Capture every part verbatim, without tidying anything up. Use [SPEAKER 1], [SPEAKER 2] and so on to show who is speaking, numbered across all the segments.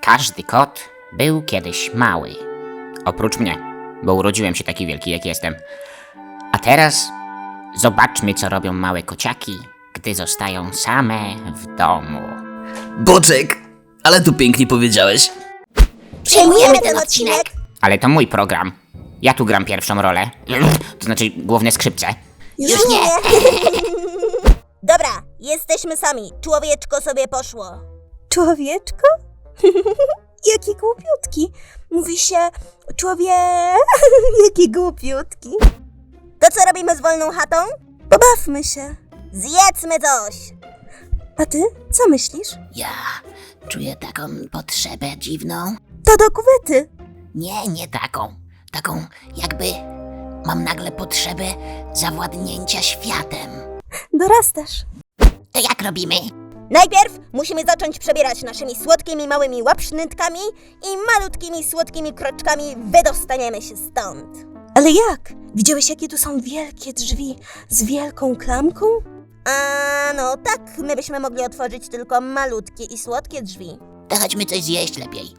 [SPEAKER 1] Każdy kot był kiedyś mały. Oprócz mnie, bo urodziłem się taki wielki, jak jestem. A teraz zobaczmy, co robią małe kociaki, gdy zostają same w domu.
[SPEAKER 2] Boczek, ale tu pięknie powiedziałeś.
[SPEAKER 3] Przejmujemy ten odcinek!
[SPEAKER 1] Ale to mój program. Ja tu gram pierwszą rolę. To znaczy główne skrzypce.
[SPEAKER 3] Już nie! Dobra, jesteśmy sami. Człowieczko sobie poszło.
[SPEAKER 4] Człowieczko? Jaki głupiutki. Mówi się człowie... Jaki głupiutki.
[SPEAKER 3] To co robimy z wolną chatą?
[SPEAKER 4] Pobawmy się.
[SPEAKER 3] Zjedzmy coś!
[SPEAKER 4] A ty? Co myślisz?
[SPEAKER 5] Ja czuję taką potrzebę dziwną.
[SPEAKER 4] To do kuwety.
[SPEAKER 5] Nie, nie taką. Taką jakby mam nagle potrzebę zawładnięcia światem.
[SPEAKER 4] Dorastasz.
[SPEAKER 5] To jak robimy?
[SPEAKER 3] Najpierw musimy zacząć przebierać naszymi słodkimi małymi łapsznytkami i malutkimi słodkimi kroczkami wydostaniemy się stąd.
[SPEAKER 4] Ale jak? Widziałeś, jakie tu są wielkie drzwi z wielką klamką?
[SPEAKER 3] A no tak, my byśmy mogli otworzyć tylko malutkie i słodkie drzwi.
[SPEAKER 5] To chodźmy coś zjeść lepiej.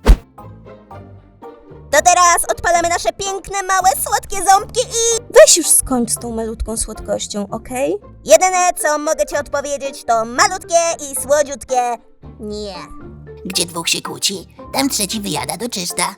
[SPEAKER 3] To teraz odpalamy nasze piękne, małe, słodkie ząbki i...
[SPEAKER 4] Weź już skończ z tą malutką słodkością, okej?
[SPEAKER 3] Jedyne, co mogę ci odpowiedzieć, to malutkie i słodziutkie nie.
[SPEAKER 5] Gdzie dwóch się kłóci, tam trzeci wyjada do czysta.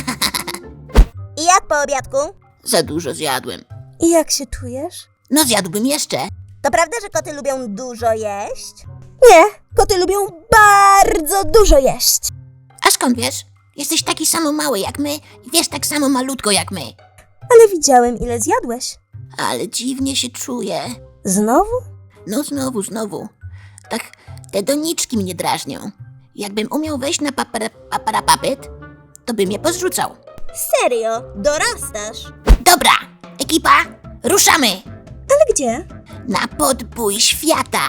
[SPEAKER 3] I jak po obiadku?
[SPEAKER 5] Za dużo zjadłem.
[SPEAKER 4] I jak się czujesz?
[SPEAKER 5] No zjadłbym jeszcze.
[SPEAKER 3] To prawda, że koty lubią dużo jeść?
[SPEAKER 4] Nie, koty lubią bardzo dużo jeść.
[SPEAKER 5] A skąd wiesz? Jesteś taki samo mały jak my i wiesz tak samo malutko jak my.
[SPEAKER 4] Ale widziałem, ile zjadłeś.
[SPEAKER 5] Ale dziwnie się czuję.
[SPEAKER 4] Znowu?
[SPEAKER 5] No znowu, znowu. Tak te doniczki mnie drażnią. Jakbym umiał wejść na papara, paparapapet, to bym je pozrzucał.
[SPEAKER 3] Serio? Dorastasz?
[SPEAKER 5] Dobra, ekipa, ruszamy
[SPEAKER 4] Ale gdzie?
[SPEAKER 5] na podbój świata.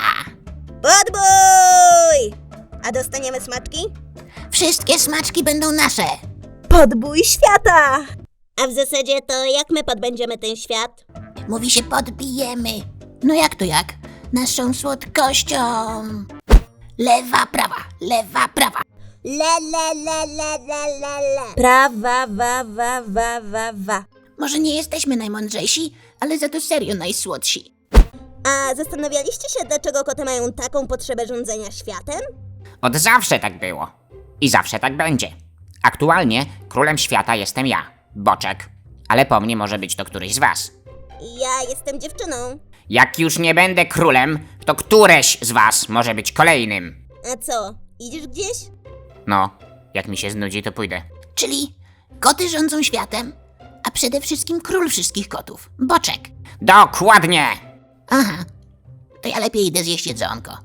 [SPEAKER 3] Podbój! A dostaniemy smaczki?
[SPEAKER 5] Wszystkie smaczki będą nasze.
[SPEAKER 4] Podbój świata!
[SPEAKER 3] A w zasadzie to jak my podbędziemy ten świat?
[SPEAKER 5] Mówi się podbijemy. No jak to jak? Naszą słodkością. Lewa, prawa, lewa, prawa.
[SPEAKER 3] Le, le, le, le, le, le, le.
[SPEAKER 4] Prawa, wa, wa, wa, wa, wa.
[SPEAKER 5] Może nie jesteśmy najmądrzejsi, ale za to serio najsłodsi.
[SPEAKER 3] A zastanawialiście się, dlaczego koty mają taką potrzebę rządzenia światem?
[SPEAKER 1] Od zawsze tak było. I zawsze tak będzie. Aktualnie królem świata jestem ja, Boczek. Ale po mnie może być to któryś z was.
[SPEAKER 3] Ja jestem dziewczyną.
[SPEAKER 1] Jak już nie będę królem, to któreś z was może być kolejnym.
[SPEAKER 3] A co, idziesz gdzieś?
[SPEAKER 1] No, jak mi się znudzi, to pójdę.
[SPEAKER 5] Czyli koty rządzą światem, a przede wszystkim król wszystkich kotów, Boczek.
[SPEAKER 1] Dokładnie!
[SPEAKER 5] Aha, to ja lepiej idę zjeść jedzonko.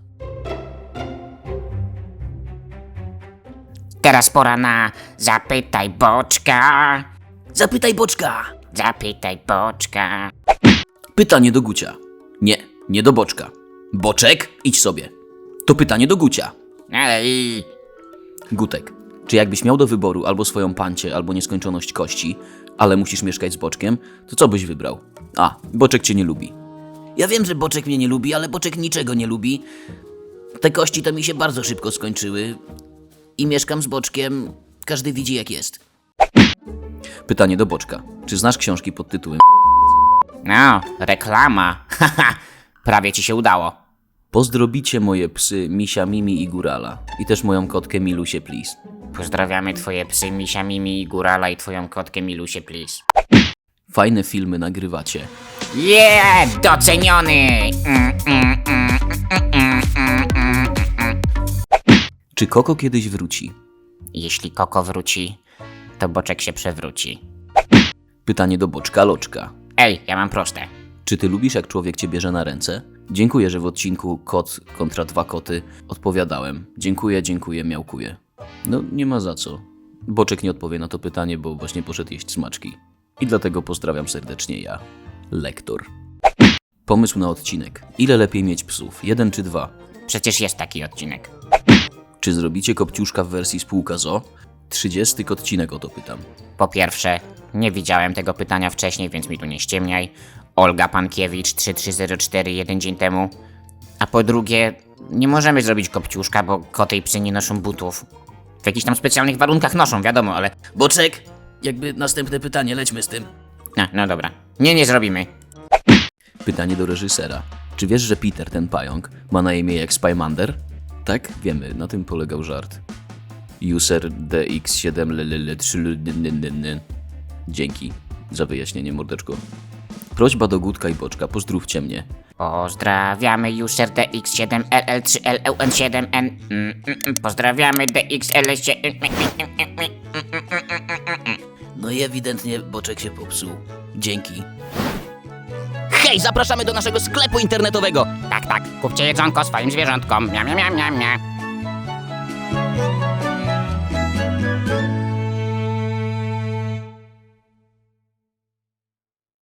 [SPEAKER 1] Teraz pora na Zapytaj Boczka.
[SPEAKER 2] Zapytaj Boczka.
[SPEAKER 1] Zapytaj Boczka.
[SPEAKER 2] Pytanie do Gucia. Nie, nie do Boczka. Boczek, idź sobie. To pytanie do Gucia.
[SPEAKER 1] Ej,
[SPEAKER 2] Gutek, czy jakbyś miał do wyboru albo swoją pancię, albo nieskończoność kości, ale musisz mieszkać z Boczkiem, to co byś wybrał? A, Boczek cię nie lubi. Ja wiem, że Boczek mnie nie lubi, ale Boczek niczego nie lubi. Te kości to mi się bardzo szybko skończyły. I mieszkam z Boczkiem, każdy widzi jak jest. Pytanie do Boczka. Czy znasz książki pod tytułem
[SPEAKER 1] no, reklama. Haha, prawie ci się udało.
[SPEAKER 2] Pozdrobicie moje psy Misia, Mimi i Górala. I też moją kotkę Milusię, please.
[SPEAKER 1] Pozdrawiamy twoje psy Misia, Mimi i Górala i twoją kotkę Milusię, please.
[SPEAKER 2] Fajne filmy nagrywacie.
[SPEAKER 1] Yeah, doceniony! Mm, mm, mm, mm, mm, mm, mm, mm.
[SPEAKER 2] Czy Koko kiedyś wróci?
[SPEAKER 1] Jeśli Koko wróci, to Boczek się przewróci.
[SPEAKER 2] Pytanie do Boczka Loczka.
[SPEAKER 1] Ej, ja mam proste.
[SPEAKER 2] Czy ty lubisz, jak człowiek cię bierze na ręce? Dziękuję, że w odcinku Kot kontra dwa koty odpowiadałem. Dziękuję, dziękuję, miałkuję. No, nie ma za co. Boczek nie odpowie na to pytanie, bo właśnie poszedł jeść smaczki. I dlatego pozdrawiam serdecznie ja, lektor. Pomysł na odcinek. Ile lepiej mieć psów? Jeden czy dwa?
[SPEAKER 1] Przecież jest taki odcinek.
[SPEAKER 2] Czy zrobicie kopciuszka w wersji spółka z o o? trzydziesty odcinek o to pytam.
[SPEAKER 1] Po pierwsze, nie widziałem tego pytania wcześniej, więc mi tu nie ściemniaj. Olga Pankiewicz trzy trzy zero cztery jeden dzień temu. A po drugie, nie możemy zrobić kopciuszka, bo koty i psy nie noszą butów. w jakichś tam specjalnych warunkach noszą, wiadomo, ale...
[SPEAKER 2] Boczek, jakby następne pytanie, lećmy z tym.
[SPEAKER 1] No, no dobra. Nie, nie zrobimy.
[SPEAKER 2] Pytanie do reżysera. Czy wiesz, że Peter, ten pająk, ma na imię jak Spymander? Tak, wiemy, na tym polegał żart. User D X siedem L L L trzy L N N N N. Dzięki za wyjaśnienie, mordeczko. Prośba do Gutka i Boczka, pozdrówcie mnie.
[SPEAKER 1] Pozdrawiamy user D X siedem L L trzy L L N siedem N. Mm, mm, mm. Pozdrawiamy D X L siedem...
[SPEAKER 2] No i ewidentnie Boczek się popsuł. Dzięki. Hej, zapraszamy do naszego sklepu internetowego!
[SPEAKER 1] Tak, tak. Kupcie jedzonko swoim zwierzątkom. Mia, mia, mia, mia, mia.